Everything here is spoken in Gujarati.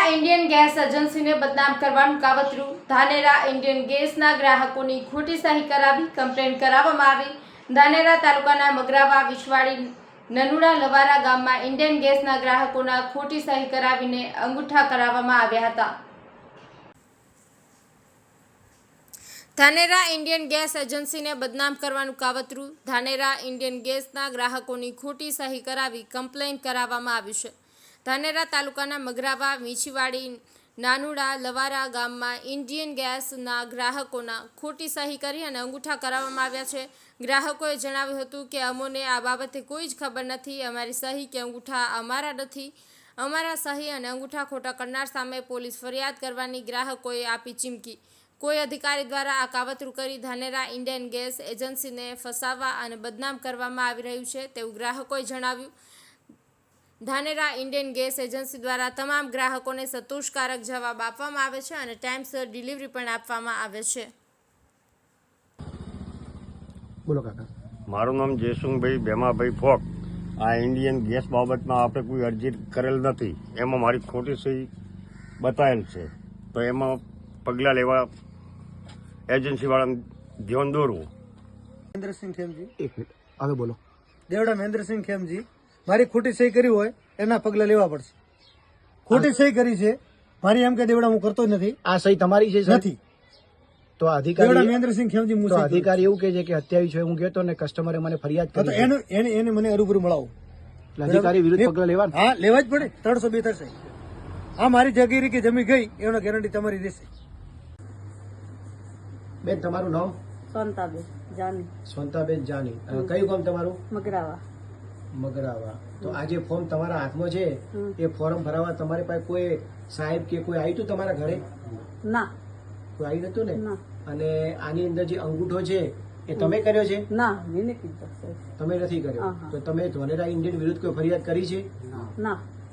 ધાનેરા ઇન્ડિયન ગેસ એજન્સીને બદનામ કરવાનું કાવતરું. ધાનેરા ઇન્ડિયન ગેસના ગ્રાહકોની ખોટી સહી કરાવી કમ્પ્લેન કરાવવામાં આવી. ધાનેરા તાલુકાના મગરાવા વિસવાડી નનુડા લવારા ગામમાં ઇન્ડિયન ગેસના ગ્રાહકોના ખોટી સહી કરાવીને અંગૂઠા કરાવવામાં આવ્યા હતા. ધાનેરા ઇન્ડિયન ગેસ એજન્સીને બદનામ કરવાનું કાવતરું. ધાનેરા ઇન્ડિયન ગેસના ગ્રાહકોની ખોટી સહી કરાવી કમ્પ્લેન કરાવવામાં આવ્યું છે. ધાનેરા તાલુકાના મગરાવા વીંછીવાડી નાનુડા લવારા ગામમાં ઇન્ડિયન ગેસના ગ્રાહકોના ખોટી સહી કરી અને અંગૂઠા કરાવવામાં આવ્યા છે. ગ્રાહકોએ જણાવ્યું હતું કે અમોને આ બાબતે કોઈ જ ખબર નથી. અમારી સહી કે અંગૂઠા અમારા નથી. અમારા સહી અને અંગૂઠા ખોટા કરનાર સામે પોલીસ ફરિયાદ કરવાની ગ્રાહકોએ આપી ચીમકી. કોઈ અધિકારી દ્વારા આ કાવતરું કરી ધાનેરા ઇન્ડિયન ગેસ એજન્સીને ફસાવવા અને બદનામ કરવામાં આવી રહ્યું છે તેવું ગ્રાહકોએ જણાવ્યું. ધાનેરા ઇન્ડિયન ગેસ એજન્સી દ્વારા તમામ ગ્રાહકોને સંતોષકારક જવાબ આપવામાં આવે છે અને ટાઈમસર ડિલિવરી પણ આપવામાં આવે છે. બોલો કાકા. મારું નામ જયસુંગભાઈ ભેમાભાઈ ફોક. આ ઇન્ડિયન ગેસ બાબતમાં આપણે કોઈ અરજી કરેલ નથી. એમાં મારી ખોટી સહી બતાવેલ છે, તો એમાં પગલાં લેવા એજન્સીવાળાને ધ્યાન દોરવું. મહેન્દ્રસિંહ ખેમજી. એક મિનિટ હવે બોલો. દેવડા મહેન્દ્રસિંહ ખેમજી. મારી ખોટી સહી કરી હોય એના પગલા લેવા પડશે. ખોટી સહી કરી છે મારી, એમ કે દેવડા હું કરતો જ નથી. આ સહી તમારી છે? નથી. તો દેવડા અધિકારી મહેન્દ્રસિંહ ખેમજી હું તો સહી કરું. અધિકારી એવું કહે છે કે હત્યાવી છે. હું કહેતો ને કસ્ટમરે મને ફરિયાદ હા, તો કરી છે. એને મને અરૂબરૂ મળાવો. એટલે અધિકારી વિરુદ્ધ પગલાં લેવા. હા, લેવા જ પડે. 302 થશે. આ મારી જગીરી કે જમી ગઈ એનો ગેરંટી તમારી રહેશે. બેન તમારું નામ? સોનતાબેન જાની. સ્વંતાબેન જાની. કયું ગામ તમારું? મગરાવા. મગરાવા. તો આ જે ફોર્મ તમારા હાથમાં છે એ ફોર્મ ભરાવા તમારી પાસે કોઈ સાહેબ કે કોઈ આવ્યું હતું તમારા ઘરે? ના. કોઈ આવ્યું નતું ને? ના. અને આની અંદર જે અંગૂઠો છે એ તમે કર્યો છે? ના, મેં કીધું સાહેબ. તમે નથી કર્યો. હા. તો તમે ધાનેરા ઇન્ડિયન વિરુદ્ધ કોઈ ફરિયાદ કરી છે? ના.